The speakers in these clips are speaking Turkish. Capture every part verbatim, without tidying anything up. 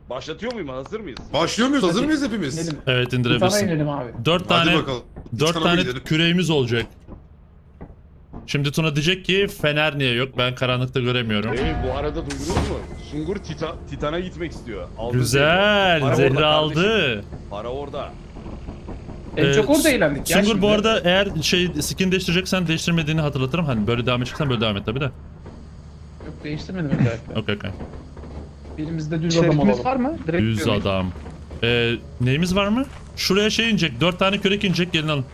Başlatıyor muyum? Hazır mıyız? Başlıyor muyuz? Hazır mıyız hepimiz? İnelim. Evet Sana indirebilirsin. inelim abi. Dört Hadi tane bakalım. dört Sana tane gidelim. küreğimiz olacak. Şimdi Tuna diyecek ki fener niye yok? Ben karanlıkta göremiyorum. Hey, bu arada duydunuz mu? Sungur Tita Titan'a gitmek istiyor. Aldı Güzel. Para Zerre orada aldı. kardeşim. Para orada. En Ee, çok orada eğlendik ya Sungur şimdi. bu arada eğer şey skin değiştireceksen değiştirmediğini hatırlatırım. Hani böyle devam edeceksen böyle devam et tabi de. Yok değiştirmedim özellikle. Okey okey. Birimizde düz adam Şerifimiz olalım. var mı? Direkt Düz diyorum. adam. Ee, neyimiz var mı? Şuraya şey inecek. Dört tane kürek inecek. Gelin alın.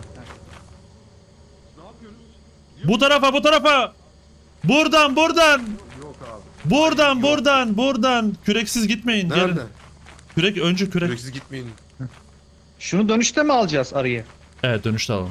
Bu tarafa bu tarafa. Buradan buradan. Yok abi. Buradan buradan buradan. Küreksiz gitmeyin. Gelin. Nerede? Kürek önce kürek. Süreksiz gitmeyin. Şunu dönüşte mi alacağız arıyı? Evet dönüşte alalım.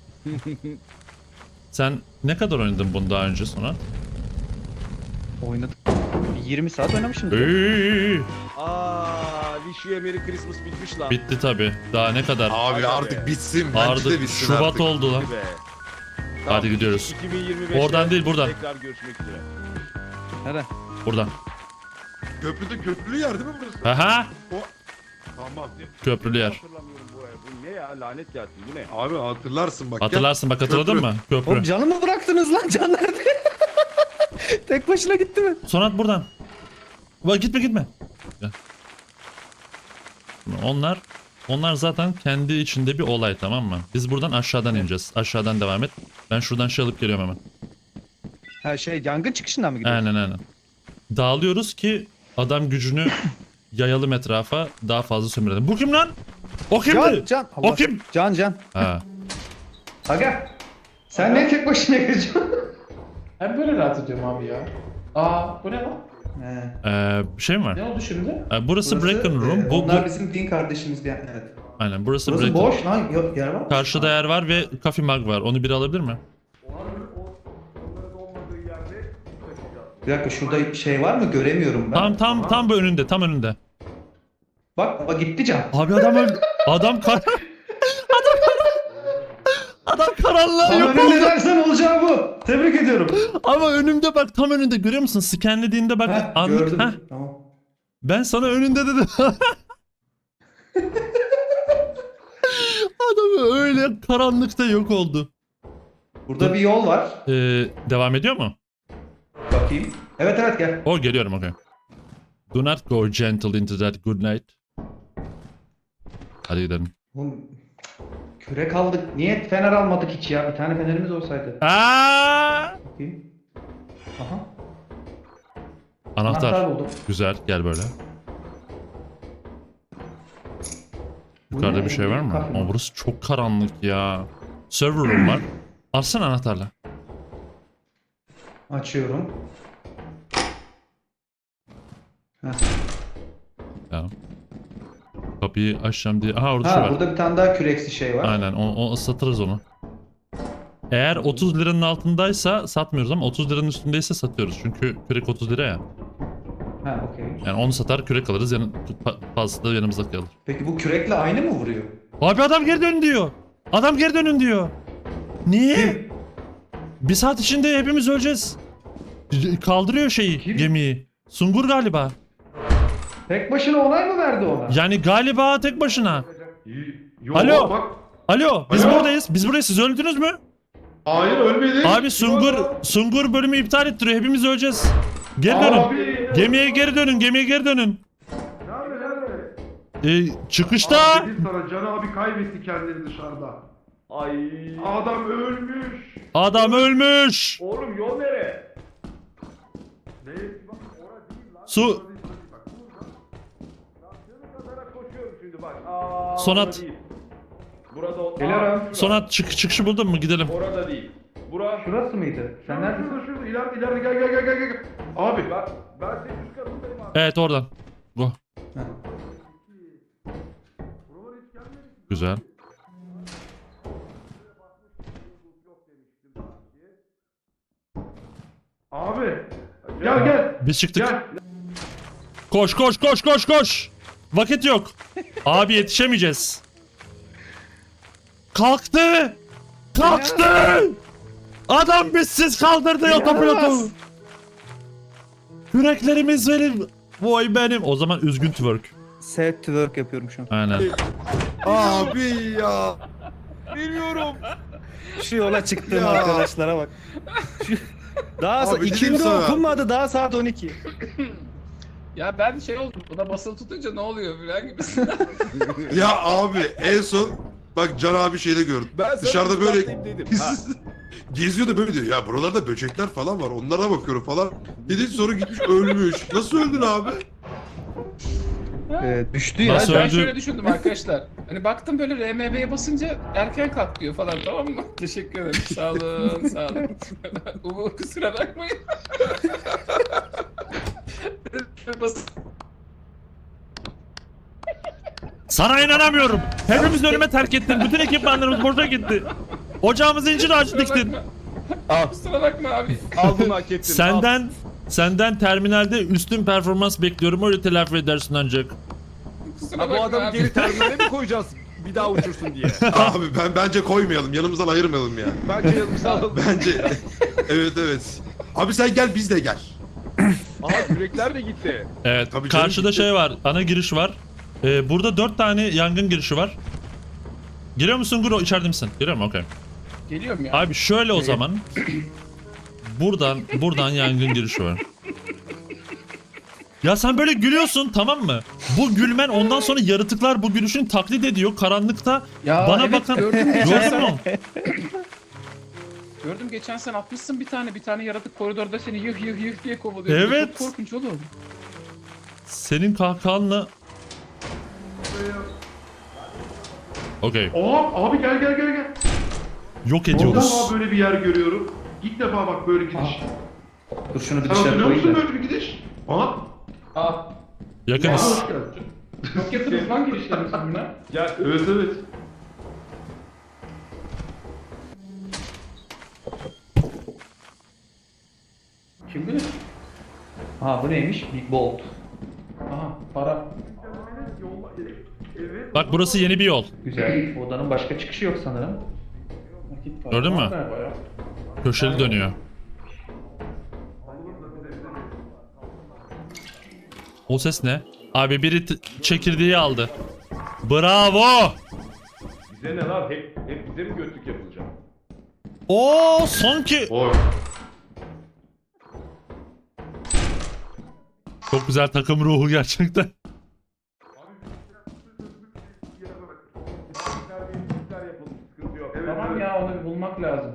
Sen ne kadar oynadın bunu daha önce sonra? Oynadık. yirmi saat oynamışımdır. Eee, Aa, Wish You a Merry Christmas bitmiş lan. bitti tabi. Daha ne kadar? Abi Hadi artık be. bitsin. Bence Ardı de bitsin Şubat artık. oldu lan. Hadi be. Hadi gidiyoruz. iki bin yirmi beşte Oradan değil, buradan. Tekrar görüşmek üzere. Nerede? Buradan. Köprüde köprülü yer değil mi burası? Aha. Tamam. Köprülü yer. Hatırlamıyorum burayı. Bu ne ya? Lanet gelsin. Bu ne? Abi hatırlarsın bak. Hatırlarsın bak hatırladın Köprü. mı? Köprü. Oğlum canı mı bıraktınız lan? Can nerede? Tek başına gitti mi? Sonat buradan. Bak gitme gitme. Gel. Onlar onlar zaten kendi içinde bir olay tamam mı? Biz buradan aşağıdan ineceğiz. Aşağıdan devam et. Ben şuradan şey alıp geliyorum hemen. Ha şey yangın çıkışından mı gidiyoruz? Aynen aynen. Dağılıyoruz ki adam gücünü yayalım etrafa daha fazla sömürelim. Bu kim lan? O kimdi? Can, can. O kim? Can, can. Ha. Aga. Sen ne tek başına gireceksin? Ben böyle rahat ediyorum abi ya. Aa bu ne lan? He. Ee, bir şey mi var? Ne oldu şimdi? Ee, burası, Breaking Room. e, Bu, bu onlar bizim din kardeşimiz diye. Evet. aynen burası, Burası Breaking Room. boş lan. Yok yer var mı? Karşıda yer var ve coffee mug var. Onu biri alabilir mi? Bir dakika şurada şey var mı? Göremiyorum ben. Tam tam tam bu önünde, tam önünde. Bak, bak gitti can. Abi adam öldü. Adam kar... adam Adam karanlığa Tam yok önünde oldu. dersen olacağı bu. Tebrik ediyorum. Ama önümde bak tam önünde görüyor musun? Scanlediğinde bak Heh, anlık. gördüm. Heh. Tamam. Ben sana önünde dedim. Adam öyle karanlıkta yok oldu. Burada bir yol var. Ee, devam ediyor mu? Bakayım. Evet evet gel. O geliyorum okey. Do not go gentle into that good night. Hadi gidelim. Oğlum, kürek aldık. Niye fener almadık hiç ya? Bir tane fenerimiz olsaydı. Aa! Bakayım. Aha. Anahtar. Anahtar buldum. Güzel gel böyle. Bu Yukarıda ne? bir şey var mı? Kahve. Ama burası çok karanlık ya. Server room var. Alsana anahtarla. Açıyorum. Heh. Tamam. Kapıyı açacağım diye. Aha orada şu Ha var. burada bir tane daha küreksi şey var. Aynen o, o satırız onu. Eğer otuz liranın altındaysa satmıyoruz ama otuz liranın üstündeyse satıyoruz. Çünkü kürek otuz lira ya. Ha okey. Yani onu satar kürek alırız. Yani fazlası da yanımızda kalır. Peki bu kürekle aynı mı vuruyor? Abi adam geri dön diyor. Adam geri dönün diyor. Niye? Kim? Bir saat içinde hepimiz öleceğiz. Kaldırıyor şeyi, Kim? gemiyi. Sungur galiba. Tek başına onay mı verdi ona? Yani galiba tek başına. Yok, Alo. Bak. Alo, biz Alo. buradayız. Biz buradayız. Siz öldünüz mü? Hayır ölmedik. Abi Sungur Sungur bölümü iptal ettiriyor. Hepimiz öleceğiz. Geri dönün. Abi. Gemiye geri dönün. Gemiye geri dönün. Nerede nerede? Ee, çıkışta. Abi dedim sana Can abi kaybetti kendini dışarıda. Ay. Adam ölmüş. Adam ölmüş. Oğlum yol nere? Ne? Bak orada değil lan. Su Bak burada. Kazara koşuyorum şimdi bak. Aa, Sonat. burada değil. Burada o. Geliyorum. Aa, Sonat çık çıkışı buldun mu? Gidelim. Orada değil. Bura. Şurası mıydı? Sen Şurada neredesin? şurada şurada ileride ileride gel gel gel gel gel. Abi. Ben, ben senin üst katındayım abi. Evet oradan. Bu. Ha. Güzel. Abi. Gel gel. Biz çıktık. Gel. Koş koş koş koş koş. Vakit yok. Abi yetişemeyeceğiz. Kalktı. Kalktı. Adam bizsiz kaldırdı otopilotu. İnanılmaz. Yüreklerimiz benim. Vay benim. O zaman üzgün twerk. Set twerk yapıyorum şu an. Aynen. Abi ya. Bilmiyorum. Şu yola çıktığım Ya. arkadaşlara bak. Şu- Daha Abi sa- dedim ikindi sana. okunmadı daha saat on iki. Ya ben şey oldum. Buna basılı tutunca ne oluyor falan gibisinden. Ya abi en son bak Can abi şeyde gördüm. Ben sana Dışarıda böyle ıslatayım dedim. Ha. geziyor da böyle diyor. Ya buralarda böcekler falan var. Onlara bakıyorum falan. Dedi sonra gitmiş ölmüş. Nasıl öldün abi? Ee, düştü ya. Nasıl ben öldü? şöyle düşündüm arkadaşlar. Hani baktım böyle R M B'ye basınca erken kalk diyor falan, tamam mı? Teşekkür ederim. Sağ olun, sağ olun. Umu kusura bakmayın. Bas- Sana inanamıyorum. Hepimiz ölüme terk ettin. Bütün ekipmanlarımız boşa gitti. Ocağımızı incir ağacı kusura diktin. bakma. Kusura bakma abi. Al bunu hak ettin. al. Senden senden terminalde üstün performans bekliyorum. Öyle telafi edersin ancak. Kusura Ha, bu bakma adamı abi. geri terminale mi koyacağız? Bir daha uçursun diye. Abi ben bence koymayalım. Yanımızdan ayırmayalım ya. Bence yanımıza alalım. Bence. Evet evet. Abi sen gel biz de gel. Aha yürekler de gitti. Evet. Tabii canım, Karşıda gitti. şey var. Ana giriş var. Ee, burada dört tane yangın girişi var. Giriyor musun Guro? İçeride misin? Giriyor mu? Okey. Geliyorum ya. Abi şöyle o zaman. Buradan buradan yangın girişi var. Ya sen böyle gülüyorsun, tamam mı? Bu gülmen ondan sonra yaratıklar bu gülüşün taklit ediyor. Karanlıkta Ya bana evet, bakan... gördüm geçen Gördün sene. mü? Gördüm geçen sen atmışsın bir tane bir tane yaratık koridorda seni yıh yıh yıh diye kovalıyor. Evet. Çok korkunç oğlum. Senin kahkahanla... Okey. Aa abi gel gel gel gel. Yok İlk ediyoruz. defa böyle bir yer görüyorum. İlk defa bak böyle gidiş. Dur şunu bir Sen dışarı hatırlıyor musun koyayım da. böyle bir gidiş? Aa. Aa, Yakınız. Hoş geldin. çok yakınız lan girişlerimiz buna. Gel. Evet evet. Kim bilir? Ha bu neymiş? Big Bolt. Aha para. Bak burası yeni bir yol. Güzel. Odanın başka çıkışı yok sanırım. Nakit para. Gördün mü? Var galiba ya. Köşeli dönüyor. O ses ne? Abi biri t- çekirdeği aldı. Bravo! Bize ne lan? Hep, hep bize mi götlük yapılacak? Oo sanki. Oy. Çok güzel takım ruhu gerçekten. Sıkıntı yok. Tamam ya, onu bir bulmak lazım.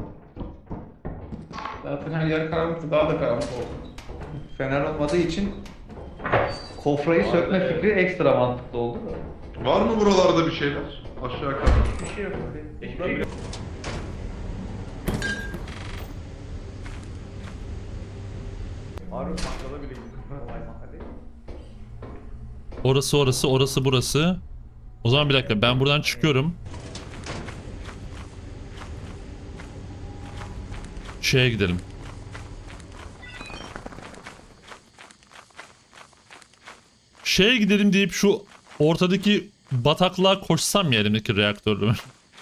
Zaten her yer karanlıktı, daha da karanlık oldu. Fener olmadığı için kofrayı sökme fikri ekstra mantıklı oldu da. Var mı buralarda bir şeyler? Aşağı kadar. Hiçbir şey yok. Hiçbir şey yok. Harun bakkala bile gittim. Orası orası orası burası. O zaman bir dakika, ben buradan çıkıyorum. Şeye gidelim. Şeye gidelim deyip şu ortadaki bataklığa koşsam ya elimdeki reaktörle.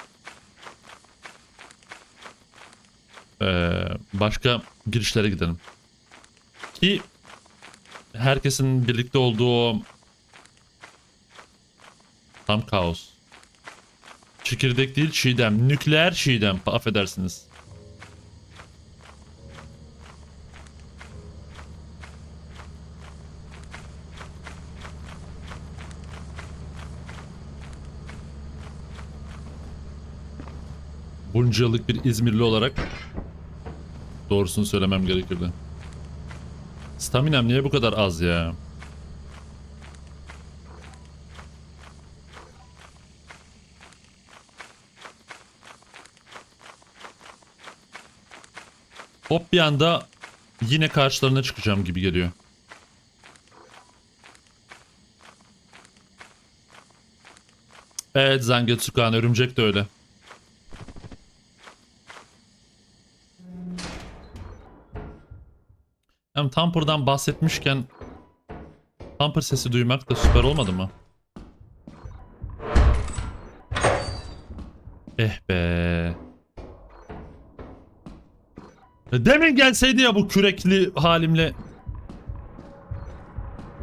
ee, başka girişlere gidelim. Ki herkesin birlikte olduğu o tam kaos. Çekirdek değil, çiğdem. Nükleer çiğdem. Affedersiniz. Bunca yıllık bir İzmirli olarak doğrusunu söylemem gerekirdi. Staminam niye bu kadar az ya? Hop bir anda yine karşılarına çıkacağım gibi geliyor. Evet Zangetsukan, örümcek de öyle. Hem Tamper'dan bahsetmişken Tamper sesi duymak da süper olmadı mı? Eh be. Demin gelseydi ya bu kürekli halimle.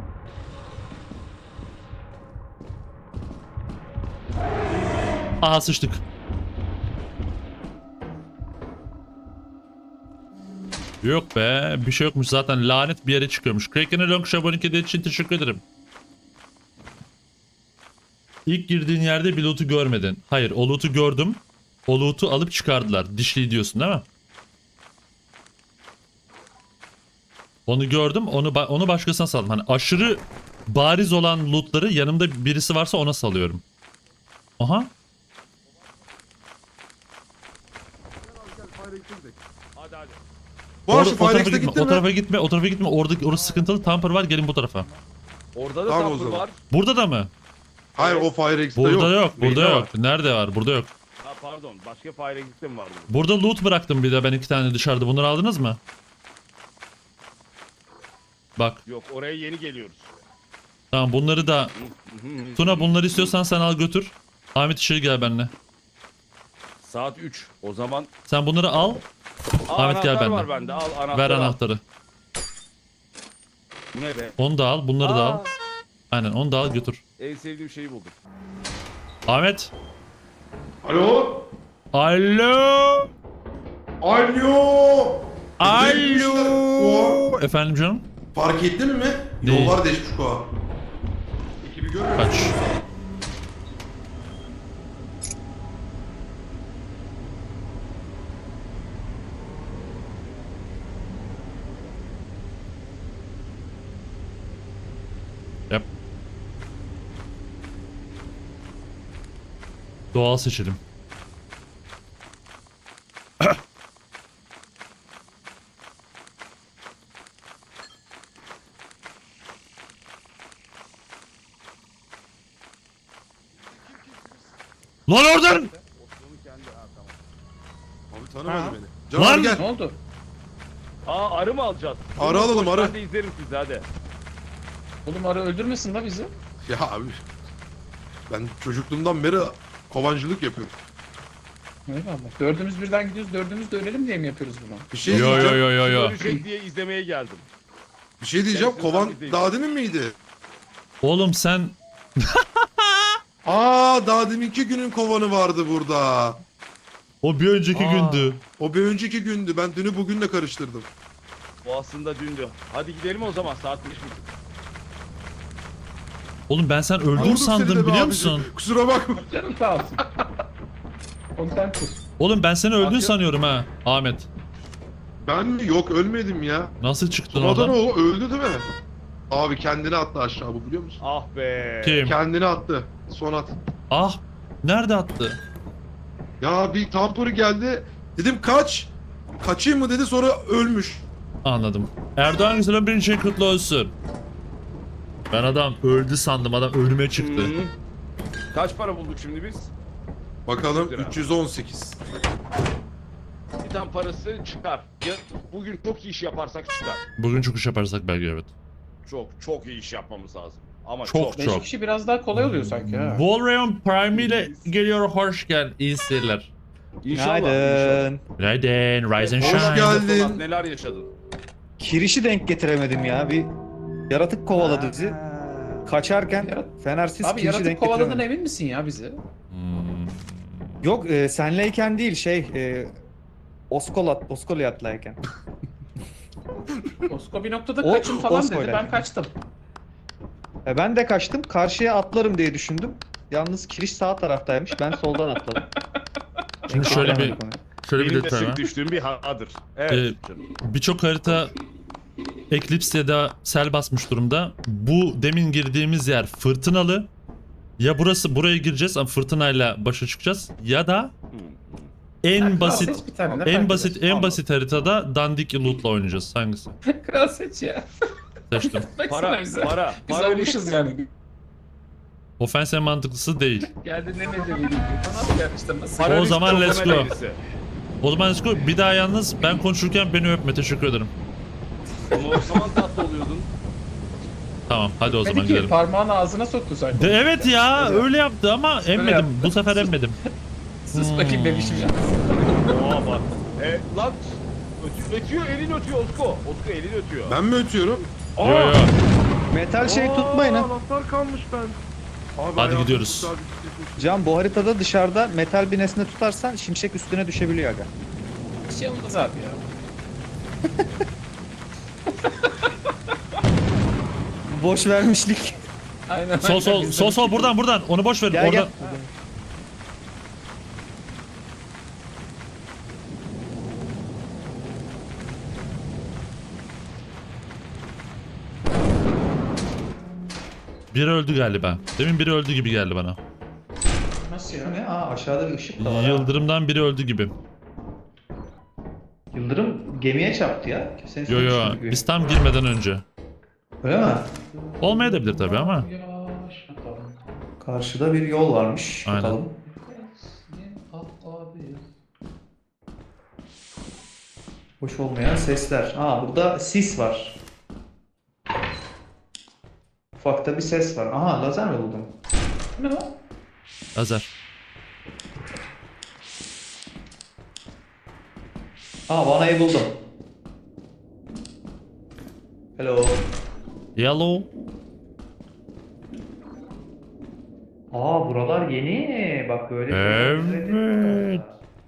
Aha sıçtık. Yok be, bir şey yokmuş zaten, lanet bir yere çıkıyormuş. Kraken'e long şabonik hediye için teşekkür ederim. İlk girdiğin yerde bir loot'u görmedin. Hayır, o loot'u gördüm. O loot'u alıp çıkardılar. Dişli diyorsun değil mi? Onu gördüm, onu ba- onu başkasına saldım. Hani aşırı bariz olan loot'ları yanımda birisi varsa ona salıyorum. Aha. Hadi hadi. Bu Or- arada o tarafa Firex'e gitme, gittin o mi? tarafa gitme, o tarafa gitme. Orada orası sıkıntılı. Tamper var, gelin bu tarafa. Orada da Tamam o sapır zaman. var. Burada da mı? Hayır o Firex'te yok. Burada yok, burada Neyde yok. var? Nerede var? Burada yok. Ha pardon. Başka fire exit'te mi vardı? Burada loot bıraktım bir de ben iki tane dışarıda. Bunları aldınız mı? Bak. Yok oraya yeni geliyoruz. Tamam bunları da... Tuna bunları istiyorsan sen al götür. Ahmet içeri gel benimle. Saat üç. O zaman... Sen bunları al. Aa, Ahmet gel anahtar benden. var bende. Al anahtarı. Ver al. anahtarı. Bu ne be? Onu da al. Bunları da Aa, al. Aynen onu da al götür. En sevdiğim şeyi buldum. Ahmet. Alo. Alo. Alo. Alo. Efendim canım? Fark ettin mi? Neyi? Yollar değişmiş Koa. Ekibi görmüyor Kaç. musun? Yap. Doğal seçelim. Lan oradan! Osman'ın kendi. Ha tamam. Abi tanımadı Ha. beni. Can Lan! abi gel. Ne oldu? Aa arı mı alacağız? Arı alalım, Koş, arı. Ben de izlerim sizi hadi. Oğlum arı öldürmesin la bizi. Ya abi. Ben çocukluğumdan beri kovancılık yapıyorum. Eyvallah. Dördümüz birden gidiyoruz. Dördümüz de ölelim diye mi yapıyoruz bunu? Bir şey Yo yo diyeceğim. yo yo yo. Ölecek diye izlemeye geldim. Bir şey diyeceğim. Gerçekten Kovan biz değil. daha demin miydi? Oğlum sen Aa daha deminki günün kovanı vardı burada. o bir önceki Aa. gündü. O bir önceki gündü. Ben dünü bugünle karıştırdım. Bu aslında dündü. Hadi gidelim o zaman saat beş buçuk. Oğlum ben sen öldün Vurdum seni de sandım be biliyor abicim. musun? Kusura bakma. Canım sağ olsun. Onu sen kur. Oğlum ben seni öldün Bakın. sanıyorum ha Ahmet. Ben mi? Yok ölmedim ya. Nasıl çıktın Sonradan oradan? o öldü değil mi? Abi kendini attı aşağı bu biliyor musun? Ah be. Kim? Kendini attı. Son at. Ah nerede attı? Ya bir tampori geldi. Dedim kaç. Kaçayım mı dedi sonra ölmüş. Anladım. Erdoğan Güzel'in birinci şey kutlu olsun. Ben adam öldü sandım, adam ölüme çıktı. Hı. Kaç para bulduk şimdi biz? Bakalım Lira. üç yüz on sekiz. Bir tane parası çıkar. Ya, bugün çok iyi iş yaparsak çıkar. Bugün çok iş yaparsak belki evet. Çok çok iyi iş yapmamız lazım. Ama Çok, çok. Beş çok. kişi biraz daha kolay oluyor sanki ha. Volrayon Prime ile geliyor, hoş geldin. İyi seyirler. İnşallah. inşallah. Günaydın. Günaydın, rise and Hoş shine. geldin. Polat, neler yaşadın? Kirişi denk getiremedim ya. Bir yaratık kovaladı bizi. Kaçarken Yarat- fenersiz Abi kirişi yaratık denk kovaladığından getiremedim. emin misin ya bizi? Hmm. Yok e, senleyken değil şey e, Oskolat, Oskoliat'layken. Osko bir noktada O- kaçın falan dedi. Osko'yla. Ben kaçtım. E, ben de kaçtım. Karşıya atlarım diye düşündüm. Yalnız kiriş sağ taraftaymış. Ben soldan atladım. Şimdi Denk şöyle bir getiremedim onu. şöyle bir Benim de detay var. sık düştüğüm bir hadır. Evet. Ee, canım. Birçok harita Eclipse ya da sel basmış durumda. Bu demin girdiğimiz yer fırtınalı. Ya burası, buraya gireceğiz ama fırtınayla başa çıkacağız ya da Hı. en Kral basit seç bir tane, ne en fark basit eder? en basit haritada dandik loot'la oynayacağız. Hangisi? Kral seç ya. Seçtim. Baksana Para, bize. para, Biz para almışız yani. Ofens en mantıklısı değil. Geldi ne ne dedi. Nasıl yani işte nasıl? Para O zaman riskli let's okumaya go. dairesi. O zaman let's go. Bir daha yalnız ben konuşurken beni öpme. Teşekkür ederim. Ama o zaman tatlı oluyordun. Tamam hadi o zaman Dedi ki gidelim. parmağını ağzına soktu sanki. De, evet ya Öyle öyle yaptı ama emmedim. yaptı. Bu sefer emmedim. Sus bakayım bebişim ya. Oha bak. E, lan ötüyor, ötüyor elin ötüyor Osko. Osko elin ötüyor. Ben mi ötüyorum? Yo yo. Metal şey tutmayın ha. Anahtar kalmış ben. Abi Hadi ayağım gidiyoruz. çok sabit. Can bu haritada dışarıda metal bir nesne tutarsan şimşek üstüne düşebiliyor aga. Bir şey olmaz abi ya. Boş vermişlik. Aynen. Sol sol sol sol buradan buradan. Onu boş verin. Gel Orada. gel. Biri öldü galiba. Demin biri öldü gibi geldi bana. Nasıl Bu ya? ne? Aa aşağıda bir ışık da var. ha. Yıldırımdan biri öldü gibi. Yıldırım gemiye çarptı ya. Senin Yo yo sürmüşsün gibi. biz tam girmeden önce. Öyle mi? Olmayabilir tabii ama. Yavaş bakalım. Karşıda bir yol varmış. Aynen. Bakalım. Hoş olmayan sesler. Aa burada sis var. Ufakta bir ses var. Aha lazer mi buldum? Ne o? Lazer. Aa vanayı buldum. Hello. Yellow. Aa buralar yeni. Bak böyle. Evet.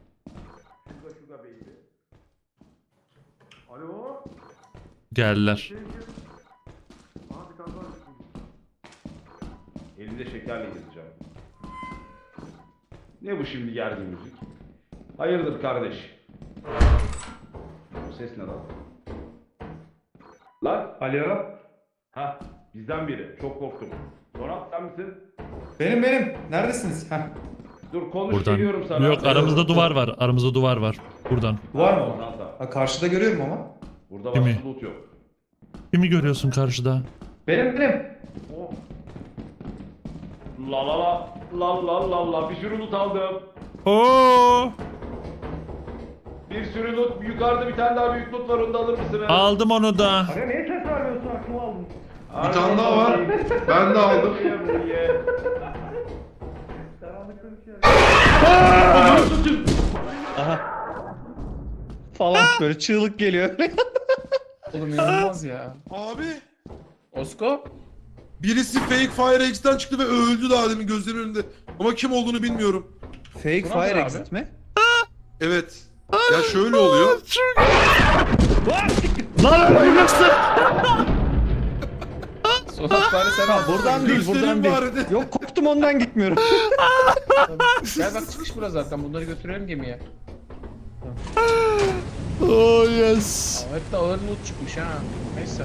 Alo. Geldiler. Aha bir tane daha düştüm. Elinde şekerle gezeceğim. Ne bu şimdi gergin müzik? Hayırdır kardeş? Bu ses ne lan? Lan? Alo. Ha, bizden biri. Çok korktum. Sonat sen misin? Benim benim. Neredesiniz? Heh. Dur konuş Buradan. geliyorum sana. Yok aramızda duvar var. Aramızda duvar var. Buradan. Var mı? Sonat abi. Ha, karşıda görüyorum ama. Burada Kimi? başka loot yok. Kimi görüyorsun karşıda? Benim benim. Oh. La la la la la la la bir sürü loot aldım. Oo! Bir sürü loot. Yukarıda bir tane daha büyük loot var. Onu da alır mısınız? Aldım onu da. Aga niye ses vermiyorsun? Aklımı aldın. Bir tane daha var. Ben de aldım. Falan böyle çığlık geliyor. Oğlum inanılmaz ya. Abi Osko? birisi Fake Fire X'ten çıktı ve öldü daha demin gözlerimin önünde. Ama kim olduğunu bilmiyorum. Fake Bu nasıl fire abi? exit mi? Evet. Ya şöyle oluyor. Lan öleceksin. Sonat bari sen al. Buradan değil, buradan Göstereyim değil. bari de. Yok korktum ondan gitmiyorum. Gel bak çıkış burası zaten. Bunları götürelim gemiye. Oh yes. Aa, hep de ağır loot çıkmış ha. Neyse.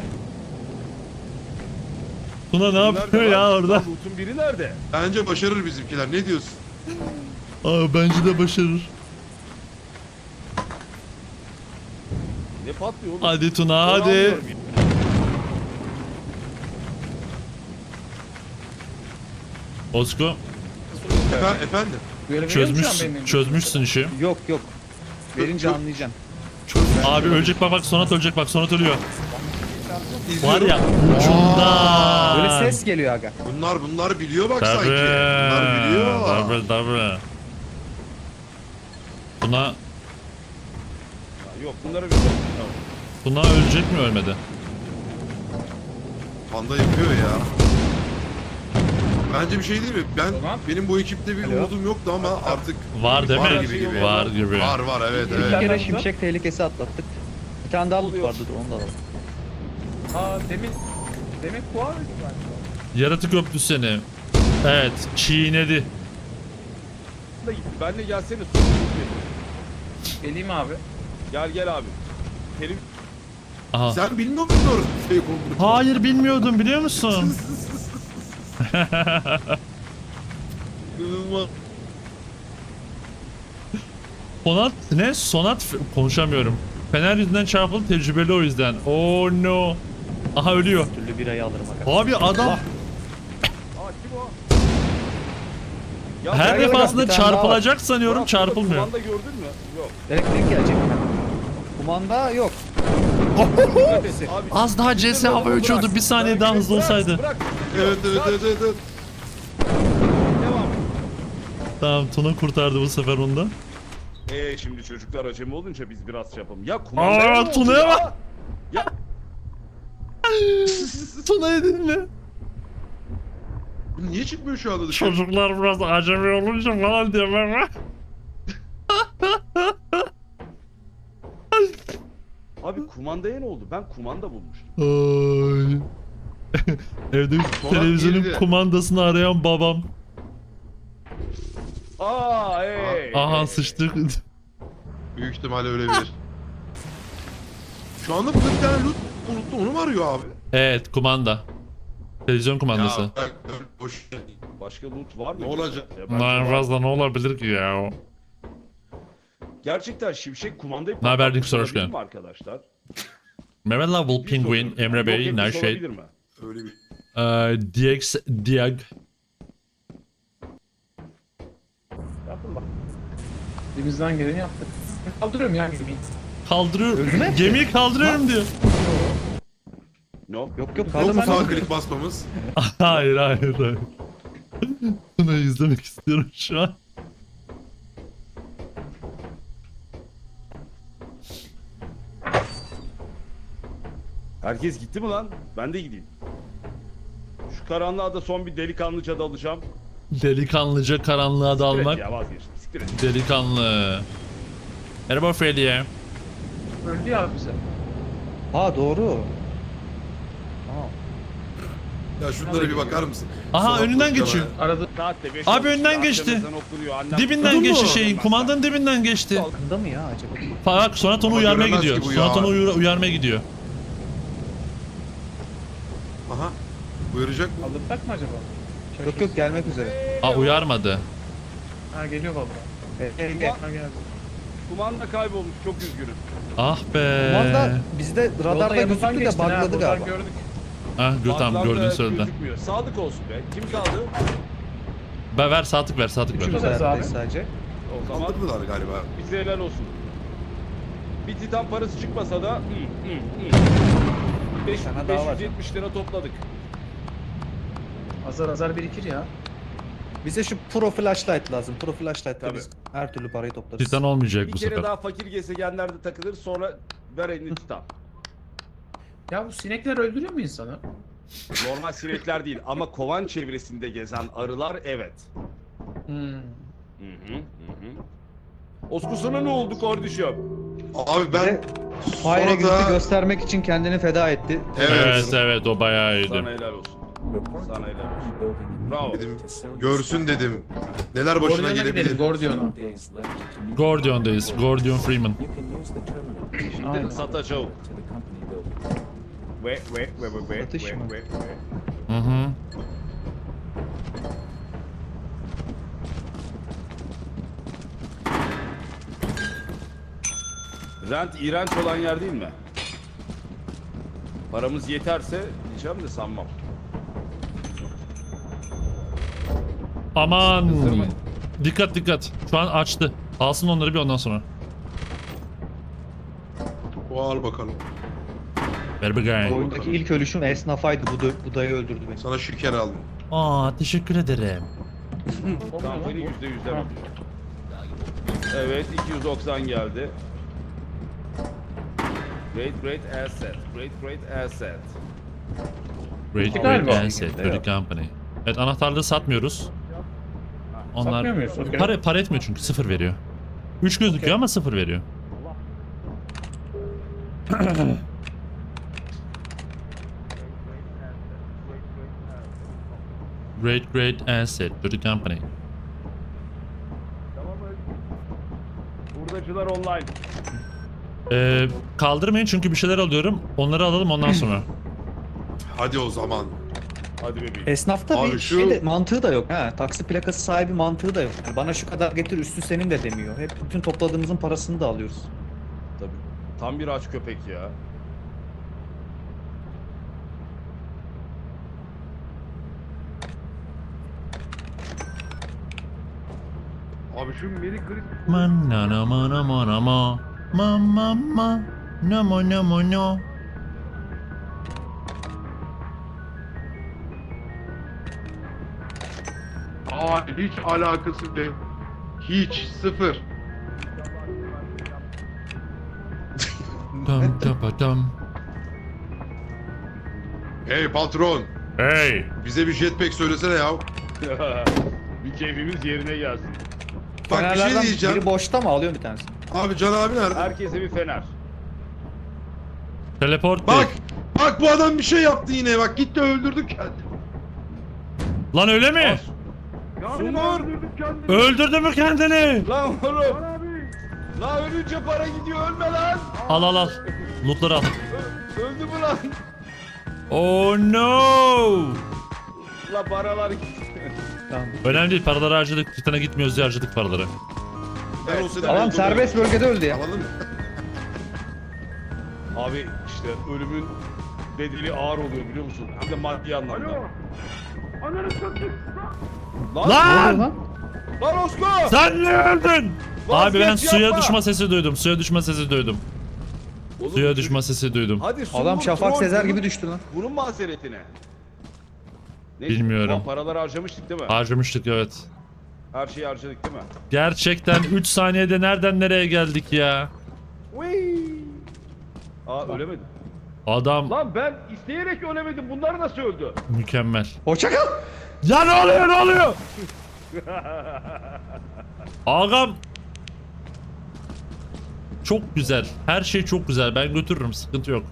Tuna ne yapıyor Nerede ya lan? orada? Loot'un biri nerede? Bence başarır bizimkiler. Ne diyorsun? Aa bence de başarır. Ne patlıyor oğlum? Hadi Tuna Onu hadi. anlıyorum. Osko Efe- efendim. Böyle veriyor mu şu an çözmüşsün, benim? çözmüşsün işi. Yok yok. Verince anlayacaksın. Abi ölecek bak bak Sonat ölecek bak Sonat ölüyor. Var İzliyorum. ya ucundan. Böyle ses geliyor aga. Bunlar bunlar biliyor bak Tabii. sanki. Bunlar biliyor. Tabii tabii. Buna, Ha, Yok bunları bir tamam. buna ölecek mi ölmedi? Panda yapıyor ya. Bence bir şey değil mi? Ben Tamam. benim bu ekipte bir Alo. umudum yoktu ama artık Var değil var mi? gibi gibi. Var gibi. Var var evet Bir evet. kere Nereden şimşek tehlikesi atlattık. Bir tane daha loot Oluyor. vardı dur onu da alalım. Aa demin... Demin kuvar mıydı galiba? Yaratık öptü seni. Evet çiğnedi. Da gitti. Benle gelsene. Geleyim abi. Gel gel abi. Kerim Aha. Sen bilmiyor musun orada fake olduğunu? Hayır bilmiyordum biliyor musun? inanılmaz. Sonat ne? Sonat f- konuşamıyorum. Fener yüzünden çarpıldı tecrübeli o yüzden. Oh no. Aha ölüyor. Türlü birayı alırım aga. Abi adam Aa kim o? Ya her gel, gel, defasında bir tane daha çarpılacak sanıyorum Murat, burada çarpılmıyor. Kumanda gördün mü? Yok. Elektrik gelecek. Kumanda yok. Dikkat et abi. Az daha C S hava uçuyordu. Bir saniye daha hızlı Bırak, olsaydı. Bırak. Evet evet evet evet. evet. Devam. Tamam Tuna kurtardı bu sefer onu da. Eee şimdi çocuklar acemi olunca biz biraz şey yapalım. Ya kumandaya Aa ne oldu Tuna'ya ya? bak. Ya Tuna'yı dinle. Bu niye çıkmıyor şu anda dışarı? Çocuklar biraz acemi olunca falan diyorlar ama. Abi kumandaya ne oldu? Ben kumanda bulmuştum. Ay. Evde Sonra televizyonun girdi. kumandasını arayan babam. Aa hey. Aha sıçtık. Büyük ihtimalle öyledir. Şu anda burada bir tane loot unuttu, onu mu arıyor abi? Evet, kumanda. Televizyon kumandası. Ya bak, boş. Başka loot var mı? Ne olacak? Ya ben- Daha fazla ne olabilir ki ya? Gerçekten Şimşek kumandayı Ne haber, patlatmış Nick? Hoş olabilir geldin. mi arkadaşlar? Mehmet Level, Bir Penguin, soru. Emre Yok Bey, etmiş Nerşet, olabilir mi? Öyle bir. eee, D X, Diag. Yapın bak. Elimizden geleni yaptık. Kaldırıyorum ya gemiyi. Kaldırıyor. Öldü mü? Gemiyi kaldırıyorum diyor. No. Yok yok Yok mu kaldırma sağ kaldırma. klik basmamız? hayır hayır hayır. Bunu izlemek istiyorum şu an. Herkes gitti mi lan? Ben de gideyim. Şu karanlığa da son bir delikanlıca dalacağım. Delikanlıca karanlığa Siktir et dalmak. ya vazgeçtim. Siktir et. Delikanlı. Merhaba Freddy'ye. Öldü ya bize. Ha doğru. Ya şunlara bir bakar mısın? Aha Sola önünden koş geçiyor. yana. Arada Saatte beş Abi olmuş, önden daha geçti. akşam ezanı okunuyor, annem- Dibinden Duydun geçti mu? şeyin. Kumandanın dibinden geçti. Yakında mı ya acaba? Bak Sonat onu Ama uyarmaya göremez gidiyor. ki bu Sonat ya. onu uyar- uyarmaya gidiyor. Aha. Buyuracak mı? kaldırsak mı acaba? Yok yok gelmek üzere. Aa uyarmadı. Ha geliyor valla. E, e, e. Ha geldi. Kumanda kaybolmuş, çok üzgünüm. Ah be. Kumanda bizde Yolda radarda yanından gözüktü de geçtin ha, bugladı buradan galiba. gördük. Ah gö tamam Bazıları gördün da söyledi. gözükmüyor. Sadık olsun be. Kim kaldı? Be ver saatlik ver saatlik ver. Üçümüz Üçümüz hayattayız abi. sadece. O zaman Kaldırdılar galiba. bize helal olsun. Bir titan parası çıkmasa da hı, hı, hı. Beş- Sana daha var. beş yüz yetmiş lira topladık. Azar azar birikir ya. Bize şu pro flashlight lazım. Pro flashlight'ta Tabii. biz her türlü parayı toplarız. Titan olmayacak Bir bu kere sefer. daha fakir gezegenlerde takılır, sonra ver elini titan. Ya bu sinekler öldürüyor mu insanı? Normal sinekler değil ama kovan çevresinde gezen arılar evet. Hmm. Hı hı hı hı. Osku sana ne oldu kardeşim? Abi ben Bize Fire sonra Exit'i da... göstermek için kendini feda etti. Evet. Evet evet o bayağı iyiydi. Sana helal olsun. Sana helal olsun. Bravo. Dedim, görsün dedim. Neler başına Gordion'a gidelim gelebilir. Gordion'a. Gordion'dayız. Gordion Freeman. Şimdi satacağım. Ve ve ve ve ve Satış ve mı? ve ve. Hı hı. Rent iğrenç olan yer değil mi? Paramız yeterse diyeceğim de sanmam. Aman. Kızdırmayın. Dikkat dikkat. Şu an açtı. Alsın onları bir ondan sonra. O al bakalım. Ver bakayım. Oyundaki ilk ölüşüm esnafaydı. Bu, da, bu dayı öldürdü beni. Sana şeker aldım. Aa teşekkür ederim. Kampanya yüzde yüzden alıyor. Evet iki yüz doksan geldi. Great great asset. Great great asset. Great Galiba. great asset. Great company. Evet anahtarları satmıyoruz. Onlar Satmıyor muyuz? Okey. para, para etmiyor çünkü sıfır veriyor. üç gözüküyor ama sıfır veriyor. Great great asset to the company. Tamam mı? Hurdacılar online. Ee, kaldırmayın çünkü bir şeyler alıyorum. Onları alalım ondan sonra. Hadi o zaman. Hadi bebeğim. Esnafta Abi bir şu- şey de mantığı da yok. Ha, taksi plakası sahibi mantığı da yok. Yani bana şu kadar getir üstü senin de demiyor. Hep bütün topladığımızın parasını da alıyoruz. Tabii. Tam bir aç köpek ya. Abi şu Merry Christmas. Man na na ma na ma na ma ma ma ma na ma na ma na. Aa hiç alakası değil. Hiç sıfır. Dam tapa dam. Hey patron. Hey! Bize bir jetpack söylesene ya. Bir keyfimiz yerine gelsin. Bak bir şey Fenerlerden diyeceğim. biri boşta mı? Alıyorum bir tanesini. Abi Can abi nerede? Herkese bir fener. Teleport Bak! değil. Bak bu adam bir şey yaptı yine. Bak gitti öldürdü kendini. Lan öyle mi? Sungur! Öldürdü mü kendini? Lan oğlum! Lan ölünce para gidiyor, ölme lan! Al al al. Lootları al. Ö- öldü mü lan? Oh no! La paralar gitti. Tamam. Önemli değil, paraları harcadık. Titan'a gitmiyoruz diye harcadık paraları. Ben olsaydım Adam öldürdüm. serbest bölgede öldü ya. Anladın mı? Abi işte ölümün bedeli ağır oluyor biliyor musun? Hem de maddi anlamda. Ananı satayım. Lan! Lan! Lan. Lan Osko! Sen ne öldün? Abi ben Vazgeç, suya yapma! düşme sesi duydum. Suya düşme sesi duydum. Oğlum, Suya çocuk- düşme sesi duydum. Hadi Sungur, Adam Şafak troll, Sezer bunun- gibi düştü lan. Bunun mazeretine. Neyse, Bilmiyorum. ulan paraları harcamıştık değil mi? Harcamıştık evet. Her şeyi harcadık değil mi? Gerçekten üç saniyede nereden nereye geldik ya? Aa ölemedim. Adam Lan ben isteyerek ölemedim. Bunlar nasıl öldü? mükemmel. Hoşça kal. Ya ne oluyor ne oluyor? Ağam. Çok güzel. Her şey çok güzel. Ben götürürüm. Sıkıntı yok.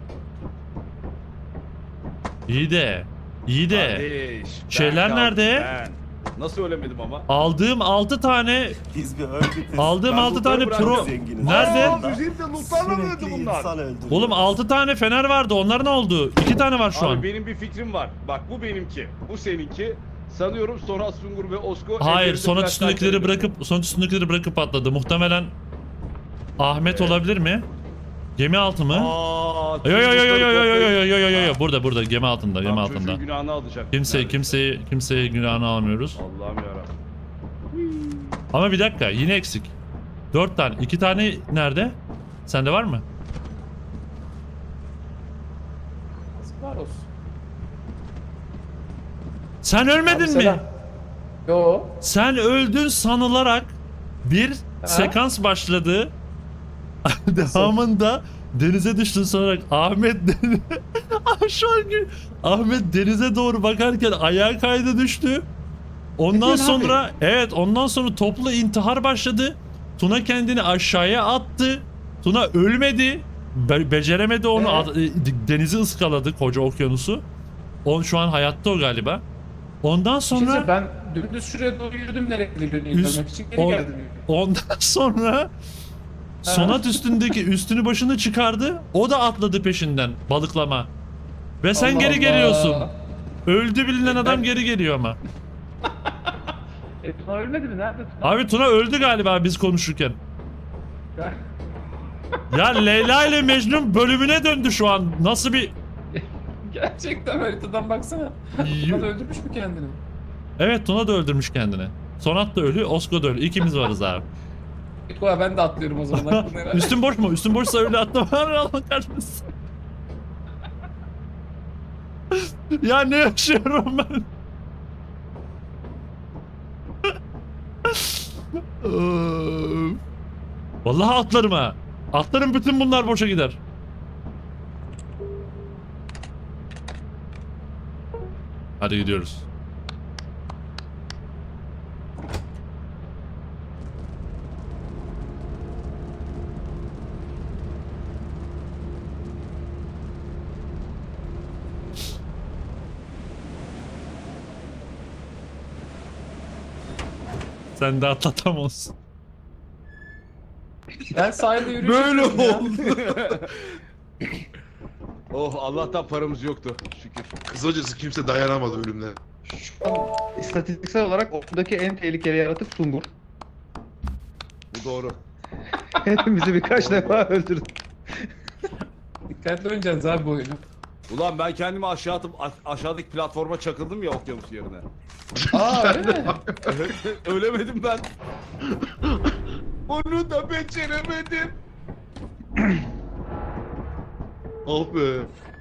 İyi de. İyi de. Kardeş, ben Şeyler kaldım, nerede? ben. Nasıl ölemedim ama? Aldığım altı tane Biz bir örgütüz. aldığım Ben altı lootları tane pro bıraktım. Zenginiz. nerede? Aa, üzerinde lootlarla mı öldü Sürekli bunlar? insan öldürüyor. Oğlum altı tane fener vardı. Onlar ne oldu? iki tane var şu Abi an. benim bir fikrim var. Bak bu benimki. Bu seninki. Sanıyorum Sonat Sungur ve Osko... Hayır, ellerinde sonat flash üstündekileri light'ları bırakıp sonat üstündekileri bırakıp atladı. Muhtemelen Ahmet olabilir mi? Gemi altı mı? Aa, Yo yo yo yo yo yo yo yo yo yo yo yo yo Ha. burada burada gemi altında gemi Tam altında. çocuğun günahını alacak. Kimse Neredeyse. kimseyi kimseye günahını almıyoruz. Allah'ım yarabbim. Ama bir dakika yine eksik. Dört tane. iki tane nerede? Sende var mı? Yazıklar olsun. Sen ölmedin Abi mi? selam. Yo. Sen öldün sanılarak bir sekans başladı. Devamında denize düştün sanarak Ahmet Ah, şu an gül- Ahmet denize doğru bakarken ayağa kaydı düştü. Ondan diyorsun sonra evet ondan sonra toplu intihar başladı. Tuna kendini aşağıya attı. Tuna ölmedi. Be- beceremedi onu. Ee? Ad- e, denizi ıskaladı koca okyanusu. On şu an hayatta o galiba. Ondan Sonra sonra ben dümdüz şuraya doğru yürüdüm nereye gidildiğini Üst- izlemek için geri on- geldim. ondan sonra Sonat üstündeki üstünü başını çıkardı. O da atladı peşinden balıklama. Ve sen Allah geri Allah. geliyorsun. Öldü bilinen adam Ben- geri geliyor ama. E Tuna ölmedi mi? Nerede Tuna? Abi Tuna öldü galiba biz konuşurken. Ya Leyla ile Mecnun bölümüne döndü şu an. Nasıl bir... Gerçekten haritadan baksana. Tuna da öldürmüş mü kendini? Evet Tuna da öldürmüş kendini. Sonat da ölü, Osko da ölü. İkimiz varız abi. Koa ben de atlıyorum o zaman aklına herhalde. Üstün boş mu? Üstün boşsa öyle atlama. Allah kahretsin. Ya ne yaşıyorum ben? Öf. Vallahi atlarım ha. Atlarım bütün bunlar boşa gider. Hadi gidiyoruz. Sen de atlatamazsın. Ben sahilde yürüyüş Böyle yapıyorum ya. oldu. Oh Allah'tan paramız yoktu. Şükür. Kısacası kimse dayanamadı ölümle. İstatistiksel olarak oradaki en tehlikeli yaratık Sungur. Bu doğru. Hepimizi birkaç defa öldürdü. Dikkatli oynayacaksınız abi bu oyunu. Ulan ben kendimi aşağı atıp a- aşağıdaki platforma çakıldım ya okyanus yerine. Aa öyle mi? Ölemedim ben. Onu da beceremedim. Ah be.